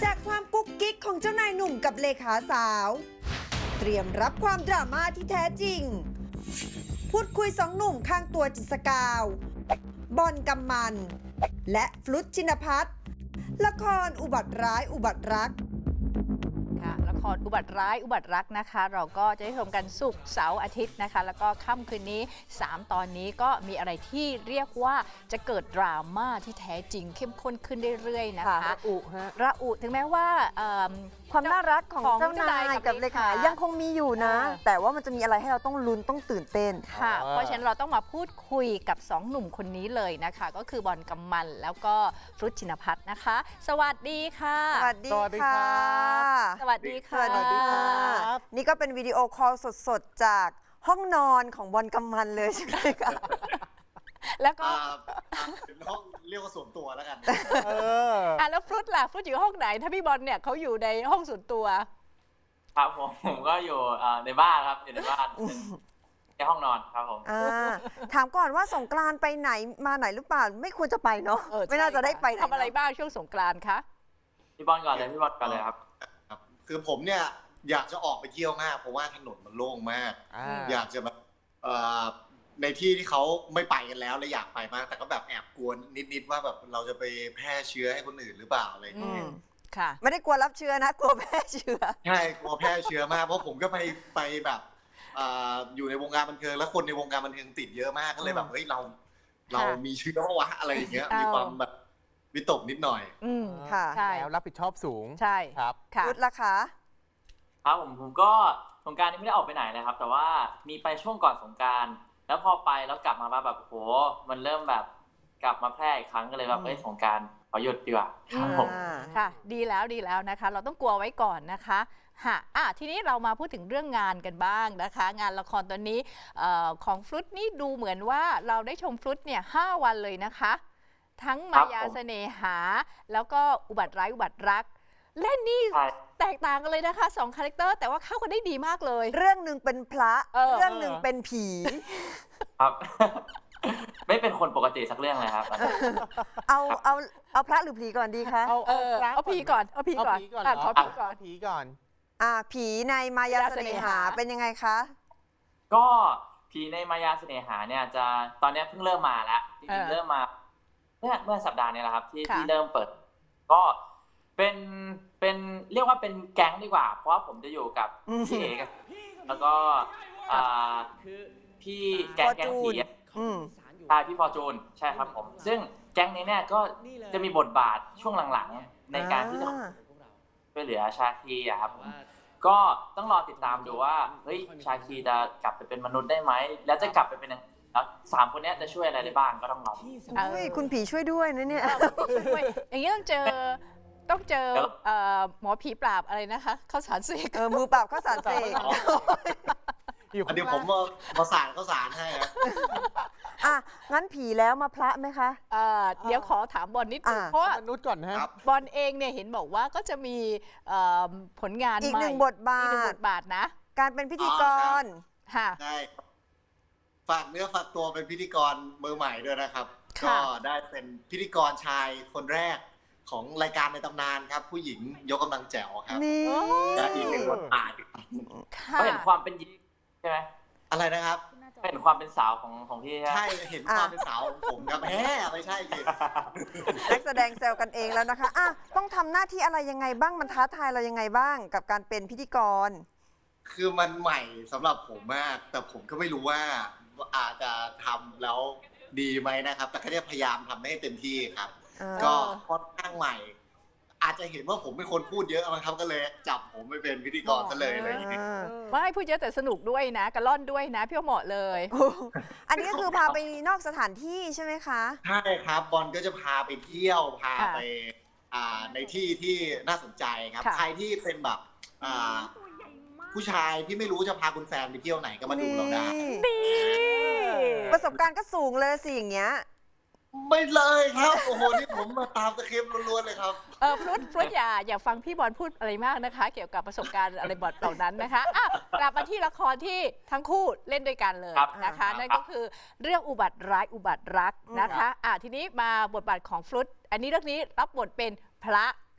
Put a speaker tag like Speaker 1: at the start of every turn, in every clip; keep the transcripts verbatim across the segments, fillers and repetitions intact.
Speaker 1: จากความกุ๊กกิ๊กของเจ้านายหนุ่มกับเลขาสาว เตรียมรับความดราม่าที่แท้จริง พูดคุยสองหนุ่มข้างตัวจิตรกาว บอลกำมัน และฟลุตชินภัทรละครอุบัติร้ายอุบัติรัก
Speaker 2: ค่ะละครอุบัติร้ายอุบัติรักนะคะ เราก็จะได้ชมกันศุกร์เสาร์อาทิตย์นะคะ แล้วก็ค่ำคืนนี้สามตอนนี้ก็มีอะไรที่เรียกว่าจะเกิดดราม่าที่แท้จริงเข้มข้นขึ้นเรื่อยๆนะคะ
Speaker 3: ระอุฮะ
Speaker 2: ระอุถึงแม้ว่า
Speaker 3: ความน่ารักของเจ้านายกับเลขายังคงมีอยู่นะ แต่ว่ามันจะมีอะไรให้เราต้องลุ้นต้องตื่นเต้น
Speaker 2: ค่ะเพราะฉะนั้นเราต้องมาพูดคุยกับสองหนุ่มคนนี้เลยนะคะก็คือบอลกำมันแล้วก็ฟลุตชินภัทรนะคะสวัสดีค่ะ
Speaker 3: สวัสดีค่ะ
Speaker 2: สวัสดีค่ะ
Speaker 3: สวัสดีค่ะนี่ก็เป็นวิดีโอคอลสดๆจากห้องนอนของบอลกำมันเลยใช่ไหมคะ
Speaker 2: แล้วก็
Speaker 4: เป็นห้องเรียกว่าส่วนตัวแล้วกัน
Speaker 2: เอออ่ะแล้วฟลุตล่ะฟลุตอยู่ห้องไหนถ้าพี่บอลเนี่ยเขาอยู่ในห้องส่วนตัว
Speaker 5: ครับผมผมก็อยู่ในบ้านครับอยู่ในบ้านในห้องนอนครับผม
Speaker 3: ถามก่อนว่าสงกรานต์ไปไหนมาไหนหรือเปล่าไม่ควรจะไปเนาะไม่น่าจะได้ไป
Speaker 2: ทำอะไรบ้างช่วงสงกรานต์คะ
Speaker 5: พี่บอลก่อนเลยพี่บอลก่อนเลยครับ
Speaker 4: คือผมเนี่ยอยากจะออกไปเที่ยวมากเพราะว่าถนนมันโล่งมากอยากจะแบบในที่ที่เขาไม่ไปกันแล้วเลยอยากไปมากแต่ก็แบบแอบกลัวนิดๆว่าแบบเราจะไปแพร่เชื้อให้คนอื่นหรือเปล่าอะไรอย่างเงี้ย
Speaker 3: ค่ะไม่ได้กลัวรับเชื้อนะกลัวแพร่เชื้อ
Speaker 4: ใช่กลัวแพร่เชื้อมากเพราะผมก็ไปไปแบบอยู่ในวงการบันเทิงแล้วคนในวงการบันเทิงติดเยอะมากก็เลยแบบเฮ้ยเราเรามีเชื้อวะอะไรอย่างเงี้ยมีความแบบวิตกนิดหน่อย
Speaker 3: อืมค่ะ
Speaker 6: แล้วรับผิดชอบสูง
Speaker 2: ใช่
Speaker 6: ครับ
Speaker 3: ค่ะพุทธละคะ
Speaker 5: ครับผมผมก็สงกรานต์นี้ไม่ได้ออกไปไหนเลยครับแต่ว่ามีไปช่วงก่อนสงกรานต์แล้วพอไปแล้วกลับมาแบบโหมันเริ่มแบบกลับมาแพร่อีกครั้งก็เลยแบบเอ้ยสงกรานต์ขอหยุดดีกว่าครับผม
Speaker 2: ค่ะดีแล้วดีแล้วนะคะเราต้องกลัวไว้ก่อนนะคะฮะอ่ะทีนี้เรามาพูดถึงเรื่องงานกันบ้างนะคะงานละครตอนนี้ของฟลุตนี่ดูเหมือนว่าเราได้ชมฟลุตเนี่ยห้าวันเลยนะคะทั้งมายาเสน่หาแล้วก็อุบัติร้ายอุบัติรักเล่นนี่แตกต่างกันเลยนะคะสองคาแรคเตอร์แต่ว่าเข้ากันได้ดีมากเลย
Speaker 3: เรื่องหนึ่งเป็นพระเรื่องหนึ่งเป็นผี
Speaker 5: ครับไม่เป็นคนปกติสักเรื่องเลยครับ
Speaker 3: เอาเอาเอาพระหรือผีก่อนดีคะ
Speaker 2: เอาเอาผีก่อนเอาผีก่อนขอผีก่อน
Speaker 6: ผีก่อน
Speaker 3: อ่าผีในมายาเสน่หาเป็นยังไงคะ
Speaker 5: ก็ผีในมายาเสน่หาเนี่ยจะตอนนี้เพิ่งเริ่มมาแล้วจริงๆเริ่มมาเมื่อเมื่อสัปดาห์นี้แหละครับที่ที่เริ่มเปิดก็เป็นเป็นเรียกว่าเป็นแก๊งดีกว่าเพราะว่าผมจะอยู่กับพี่เอกแล้วก็พี่แก๊งแก๊งผีใช่พี่ฟอร์จูนใช่ครับผมซึ่งแก๊งนี้เนี่ยก็จะมีบทบาทช่วงหลังๆในการที่จะช่วยเหลือชาคีอะครับก็ต้องรอติดตามดูว่าเฮ้ยชาคีจะกลับไปเป็นมนุษย์ได้ไหมแล้วจะกลับไปเป็นแล้วสามคนนี้จะช่วยอะไรได้บ้างก็ต้องรอ
Speaker 3: คุณผีช่วยด้วยนะเนี่ย
Speaker 2: อย่างนี้ต้องเจอต้องเจอหมอผีปราบอะไรนะคะข้าวสารเสก
Speaker 3: เออมือปราบข้าวสารเสก
Speaker 4: อันนี้ผมมามาสารข้าวสารให้ครับ
Speaker 3: อ่ะงั้นผีแล้วมาพระไหมคะ
Speaker 2: เดี๋ยวขอถามบอลนิดนึงเพราะ
Speaker 6: มนุษย์ก่อนฮะ
Speaker 2: บอลเองเนี่ยเห็นบอกว่าก็จะมีผลงาน
Speaker 3: อีกหนึ่งบทบาท
Speaker 2: บาทนะ
Speaker 3: การเป็นพิธีกร
Speaker 2: ค่ะ
Speaker 4: ใช่ฝากเนื้อฝากตัวเป็นพิธีกรมือใหม่ด้วยนะครับก็ได้เป็นพิธีกรชายคนแรกของรายการในตำนานครับผู้หญิงยกกำลังแจ๋วครับ
Speaker 3: นี่
Speaker 4: อีกหนึ่งบทบาท
Speaker 5: ก็เห็นความเป็นหญิงใช่ไหม
Speaker 4: อะไรนะครับ
Speaker 5: เห็นความเป็นสาวของของพี่
Speaker 4: ใช่เห็นความเป็นสาวของผมครับแหมไม่ใช่สิ
Speaker 3: นักแสดงแซวกันเองแล้วนะคะอ่ะต้องทำหน้าที่อะไรยังไงบ้างมันท้าทายเรายังไงบ้างกับการเป็นพิธีกร
Speaker 4: คือมันใหม่สำหรับผมมากแต่ผมก็ไม่รู้ว่าอาจจะทำแล้วดีไหมนะครับแต่ก็จะพยายามทำให้เต็มที่ครับก็ค่อนข้างใหม่อาจจะเห็นว่าผมเป็นคนพูดเยอะมั้งครับก็เลยจับผมไปเป็นพิธีกรซะเลยอะไรอย่างเงี้ย
Speaker 2: ไม่พูดเยอะแต่สนุกด้วยนะกระล่อนด้วยนะพี่เหมาะเลย
Speaker 3: อันนี้ก็คือพาไปนอกสถานที่ใช่ไหมคะ
Speaker 4: ใช่ครับบอลก็จะพาไปเที่ยวพาไปในที่ที่น่าสนใจครับใครที่เป็นแบบผู้ชายที่ไม่รู้จะพาคุณแฟนไปเที่ยวไหนก็มาดูเราได้
Speaker 3: ประสบการณ์ก็สูงเลยสิอย่างเงี้ย
Speaker 4: ไม่เลยครับโอ้โหนี่ผมมาตามตะเข็บล้วนๆเลยครับ
Speaker 2: เออฟลุตฟลุตอย่าอย่าฟังพี่บอลพูดอะไรมากนะคะเกี่ยวกับประสบการณ์อะไรบทเหล่านั้นนะคะอ่ะกลับมาที่ละครที่ทั้งคู่เล่นด้วยกันเลยนะคะนั่นก็คือเรื่องอุบัติร้ายอุบัติรักนะคะอ่ะทีนี้มาบทบาทของฟลุตอันนี้เรื่องนี้รับบทเป็นพระ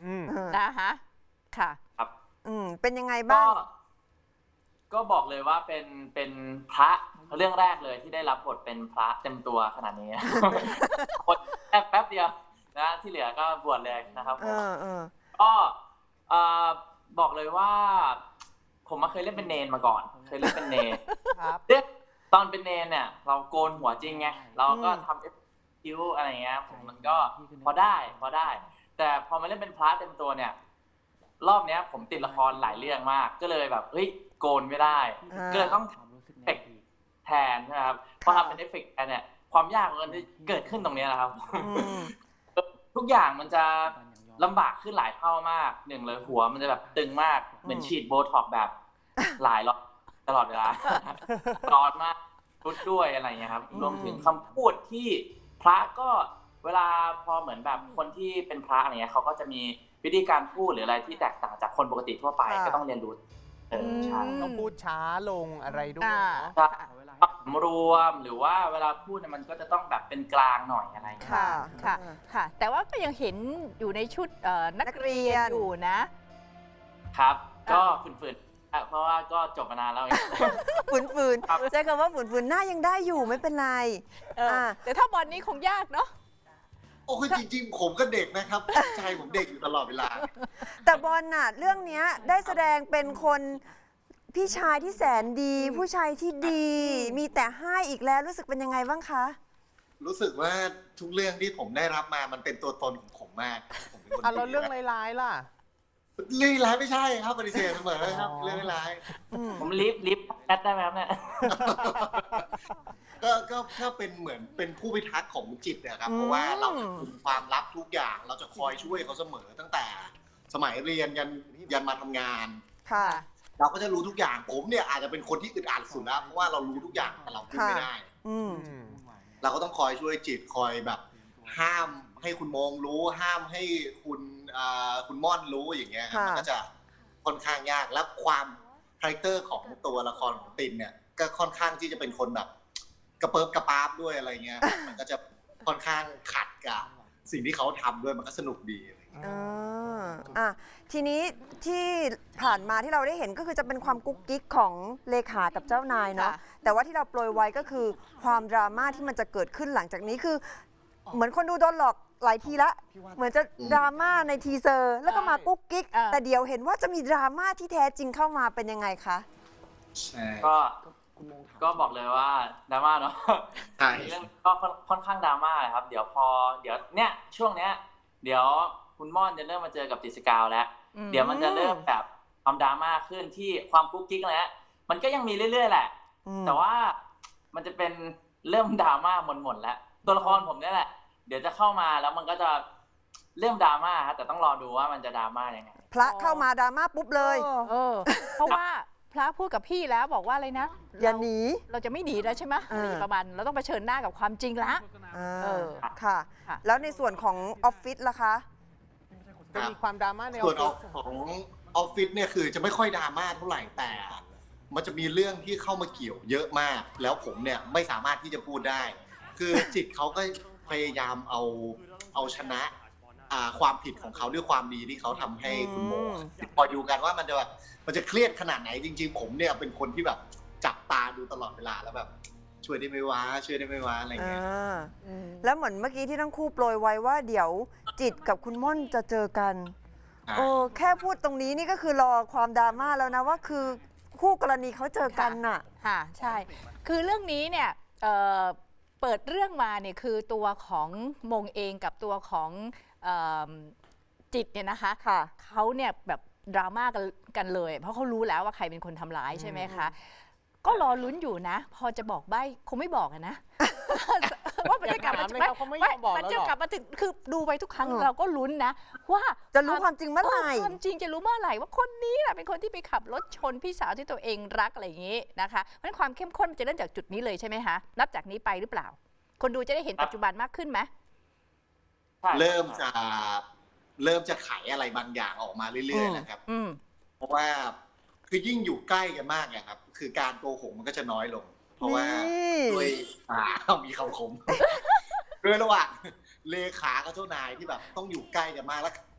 Speaker 6: อืม
Speaker 3: เออ
Speaker 2: นะคะค่ะ
Speaker 5: ครับ
Speaker 3: อืมเป็นยังไง
Speaker 5: ก็
Speaker 3: บ้าง
Speaker 5: ก็บอกเลยว่าเป็นเป็นพระเรื่องแรกเลยที่ได้รับบทเป็นพระเต็มตัวขนาดนี้ คนแค่แป๊บเดียวนะที่เหลือก็บวชเลยนะครับ
Speaker 3: เออเออ
Speaker 5: ก็เอ่อบอกเลยว่า ผมมาเคยเล่นเป็นเนนมาก่อน เคยเล่นเป็นเนน
Speaker 6: ครับ
Speaker 5: เรื่องตอนเป็นเนนเนี่ย เราโกนหัวจริงไงเราก็
Speaker 3: อืม
Speaker 5: ทำเอฟคิวอะไรเงี้ยผมมันก็พอได้พอได้ แต่พอมาเล่นเป็นพระเต็มตัวเนี่ย รอบเนี้ย ผมติดละครหลายเรื่องมาก ก็เลยแบบเฮ้ยโกนไม่ได้
Speaker 3: อ่า
Speaker 5: ก็เลยต้องทำเอฟเฟกต์แทนนะครับพอทำเป็นเอฟเฟกต์แทนเนี่ยความยากมันจะเกิดขึ้นตรงนี้แหละครับ
Speaker 3: อืม
Speaker 5: ทุกอย่างมันจะลำบากขึ้นหลายเท่ามากหนึ่งเลยหัวมันจะแบบตึงมากเหมือนฉีดโบท็อกซ์แบบหลายรอบตลอดเวลา ร้อนมากรุดด้วยอะไรเงี้ยครับ
Speaker 3: อืม
Speaker 5: รวมถึงคำพูดที่พระก็เวลาพอเหมือนแบบคนที่เป็นพระอะไรเงี้ยเขาก็จะมีวิธีการพูดหรืออะไรที่แตกต่างจากคนปกติทั่วไปก็ต้องเรียนรู้เออใช่
Speaker 6: ต้องพูดช้าลงอะไรด้วย
Speaker 2: อ่า
Speaker 6: เนาะ
Speaker 5: จะสำรวมหรือว่าเวลาพูดเนี่ยมันก็จะต้องแบบเป็นกลางหน่อยอะไรเงี้ย
Speaker 3: ค่ะ
Speaker 2: ค่ะค่ะ แต่ว่าก็ยังเห็นอยู่ในชุดเอ่อนัก
Speaker 3: นักเรี
Speaker 2: เรีย
Speaker 3: ย
Speaker 2: น
Speaker 3: น
Speaker 2: อยู่นะ
Speaker 5: ครับ ก็ฝืนๆอ่ะเพราะว่าก็จบมานานแล้วเอง
Speaker 3: ฝืนฝืน
Speaker 5: ครับ
Speaker 3: ใช้คำว่าฝืนฝืนหน้ายังได้อยู่ไม่เป็นไร
Speaker 2: เออ
Speaker 3: อ่า
Speaker 2: แต่ถ้าบอลนี้คงยากเนาะ
Speaker 4: โอ้คือจริงๆ ผมก็เด็กนะครับใจผมเด็กอยู่ตลอดเวลา
Speaker 3: แต่บอลน่ะเรื่องเนี้ยได้แสดงเป็นคนพี่ชายที่แสนดี ผู้ชายที่ดี มีแต่ให้อีกแล้วรู้สึกเป็นยังไงบ้างคะ
Speaker 4: รู้สึกว่าทุกเรื่องที่ผมได้รับมามันเป็นตัวตนของผมมากผมเป็นคน
Speaker 6: อ่ะแล้ว
Speaker 4: ดี
Speaker 6: เรื่อง
Speaker 4: นะ
Speaker 6: ร้ายๆล่ะ
Speaker 4: เรื่องร้ายไม่ใช่ครับปฏิเสธเสมอครับ
Speaker 6: อ๋อ
Speaker 4: เรื่องร้าย
Speaker 5: ผมลิฟต์ลิฟต์แอดได้ไหมครับเนี่ย
Speaker 4: ก็ก็ก็เป็นเหมือนเป็นผู้พิทักษ์ของจิตนะครับ
Speaker 3: อืม
Speaker 4: เพราะว่าเราจะคุมความลับทุกอย่าง เราจะคอยช่วยเขาเสมอตั้งแต่สมัยเรียนยันยันมาทำงาน
Speaker 3: ค่ะ
Speaker 4: เราก็จะรู้ทุกอย่างผมเนี่ยอาจจะเป็นคนที่อึดอัดสุดแล้วเพราะว่าเรารู้ทุกอย่างแต่เราพูดไม่ได้
Speaker 3: อืม
Speaker 6: อืม
Speaker 4: เราก็ต้องคอยช่วยจิตคอยแบบ ห้ามให้คุณโมงรู้ ห้ามให้คุณอ่าคุณม่อนรู้อย่างเงี้ยครับ
Speaker 3: ค่ะ
Speaker 4: มันก็จะค่อนข้างยากและความคาแรคเตอร์ของตัวละครของตินเนี่ยก็ค่อนข้างที่จะเป็นคนแบบกระเปิบกระปาบด้วยอะไรเงี้ย มันก็จะค่อนข้างขัดกับสิ่งที่เขาทำด้วยมันก็สนุกดีอะไรเงี้ย
Speaker 3: อ่าอ่ะทีนี้ที่ผ่านมาที่เราได้เห็นก็คือจะเป็นความกุ๊กกิ๊กของเลขากับเจ้านายเนาะ
Speaker 2: ค่ะ
Speaker 3: แต่ว่าที่เราโปรยไว้ก็คือความดราม่าที่มันจะเกิดขึ้นหลังจากนี้คือ เหมือนคนดูโดนหลอกหลายทีละ เหมือนจะดราม่าในทีเซอร์ แล้วก็มากุ๊กกิ๊ก
Speaker 2: อ่า
Speaker 3: แต่เดี๋ยวเห็นว่าจะมีดราม่าที่แท้จริงเข้ามาเป็นยังไงคะ
Speaker 4: ใช่
Speaker 5: ก็ก็บอกเลยว่าดราม่าเนาะ
Speaker 4: ใช่
Speaker 5: เรื่องก็ค่อนค่อนข้างดราม่าเลยครับ เดี๋ยวพอเดี๋ยวเนี่ยช่วงเนี้ย เดี๋ยวคุณม่อนจะเริ่มมาเจอกับติดสกาวแล้ว
Speaker 2: อืม
Speaker 5: เดี๋ยวมันจะเริ่มแบบความดราม่าขึ้นที่ความกุ๊กกิ๊กอะไรเงี้ยมันก็ยังมีเรื่อยๆแหละ
Speaker 3: อืม
Speaker 5: แต่ว่ามันจะเป็นเริ่มดราม่าหมดๆแล้วตัวละครผมเนี่ยแหละ เดี๋ยวจะเข้ามาแล้วมันก็จะเริ่มดราม่าครับแต่ต้องรอดูว่ามันจะดราม่ายังไง
Speaker 3: พระเข้ามาดราม่าปุ๊บเลย
Speaker 2: เออ เพราะว่าพระพูดกับพี่แล้วบอกว่าอะไรนะ
Speaker 3: อย่า
Speaker 2: เรา
Speaker 3: หนี
Speaker 2: เราจะไม่หนีแล้วใช่ไหม
Speaker 3: เออ
Speaker 2: ประมาณเราต้องเผชิญหน้ากับความจริงละ
Speaker 3: อ่า
Speaker 2: เออ
Speaker 3: ค่ะ
Speaker 2: ค่ะ
Speaker 3: แล้วในส่วนของออฟฟิศล่ะคะ
Speaker 6: จะมีความดราม่าในอ
Speaker 4: ส่
Speaker 6: อ
Speaker 4: วน
Speaker 6: ฟ
Speaker 4: อ
Speaker 6: ฟิ
Speaker 4: อ
Speaker 6: ศ
Speaker 4: ฟของออฟฟิศเนี่ยคือจะไม่ค่อยดราม่าเท่าไหร่แต่ มันจะมีเรื่องที่เข้ามาเกี่ยวเยอะมาก แล้วผมเนี่ยไม่สามารถที่จะพูดได้ คือจิตเขาก็พยายามเอาเอาชนะอ่าความผิดของเขาด้วยความดีที่เขาทำให้คุณโม
Speaker 3: อืม
Speaker 4: พอดูกันว่ามันจะแบบมันจะเครียดขนาดไหนจริง ๆ ผมเนี่ยเป็นคนที่แบบจับตาดูตลอดเวลาแล้วแบบช่วยได้ไหมวะช่วยได้ไหมวะอะไรเงี้ย
Speaker 3: อ่าแล้วเหมือนเมื่อกี้ที่ทั้งคู่โปรยไว้ว่าเดี๋ยวจิตกับคุณม่อนจะเจอกัน
Speaker 4: อ่า
Speaker 3: โอ้แค่พูดตรงนี้นี่ก็คือรอความดราม่าแล้วนะว่าคือคู่กรณีเขาเจอกันน่ะ
Speaker 2: ค่ะใช่ คือเรื่องนี้เนี่ยเอ่อเปิดเรื่องมาเนี่ยคือตัวของมงเองกับตัวของเอ่อจิตเนี่ยนะคะ
Speaker 3: ค่ะ
Speaker 2: เขาเนี่ยแบบดราม่ากันกันเลย เพราะเขารู้แล้วว่าใครเป็นคนทำร้ายใช่ไหมคะ ก็รอลุ้นอยู่นะ พอจะบอกใบ้คงไม่บอกอะนะ ว่ามันจะกลับมา
Speaker 6: อย่าถามเลยครับเขาไม่ยอมบอก
Speaker 2: มัน
Speaker 6: แล้ว
Speaker 2: จะ
Speaker 6: หรอก
Speaker 2: กลับมาถึงคือดูไปทุกครั้ง
Speaker 3: เออ
Speaker 2: เราก็ลุ้นนะ ว่า
Speaker 3: จะรู้ความจริงเมื่อไหร่
Speaker 2: ความจริงจะรู้เมื่อไหร่ว่าคนนี้แหละเป็นคนที่ไปขับรถชนพี่สาวที่ตัวเองรักอะไรอย่างนี้นะคะเพราะฉะนั้นความเข้มข้นมันจะเริ่มจากจุดนี้เลยใช่ไหมคะนับจากนี้ไปหรือเปล่า คนดูจะได้เห็นปัจจุบันมากขึ้นไหม
Speaker 5: ใช่
Speaker 4: เริ่มจะเริ่มจะไขอะไรบางอย่างออกมาเรื่อยๆนะครับ
Speaker 2: อืม
Speaker 4: เพราะว่าคือยิ่งอยู่ใกล้กันมากอะครับ คือการโกหกมันก็จะน้อยลง เพราะว่า
Speaker 3: นี่
Speaker 4: ด้วยอ่ามีคำคม ด้วยระหว่างเลขากับเจ้านายที่แบบต้องอยู่ใกล้กันมากแล้ว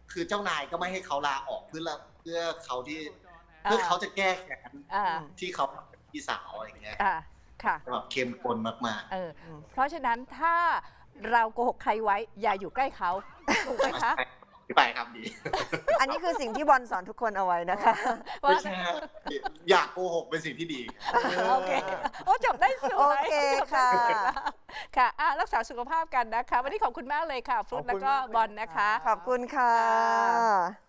Speaker 4: คือเจ้านายก็ไม่ให้เขาลาออกเพื่อเพื่อเขาที่เพื่อเขาจะแก้แค้น
Speaker 2: อ่า
Speaker 4: ที่เขาเป็นพี่สาวอะไรอย่างเงี้ย
Speaker 2: อ่าค่ะ
Speaker 4: แบบเข้มข้นมาก
Speaker 2: เออเพราะฉะนั้นถ้าเราโกหกใครไว้อย่าอยู่ใกล้เขาถูกไหม
Speaker 4: ๆ
Speaker 2: คะ
Speaker 4: ไปครับดี
Speaker 3: อันนี้คือสิ่งที่บอลสอนทุกคนเอาไว้นะคะ
Speaker 2: ว่า
Speaker 4: ไม่ใช่ฮะอยากโกหกเป็นสิ่งที่ดี
Speaker 2: โอเคโอ้จบได้สวย
Speaker 3: โอเคค่ะ
Speaker 2: จบได้สวยค่ะอ่ะรักษาสุขภาพกันนะคะ วันนี้ขอบคุณมากเลยค่ะ ฟลุต
Speaker 6: ขอบ
Speaker 2: แล้ว
Speaker 6: คุณ
Speaker 2: ก็
Speaker 6: มากเลย
Speaker 2: บอลนะคะ
Speaker 3: ขอบคุณค่ะ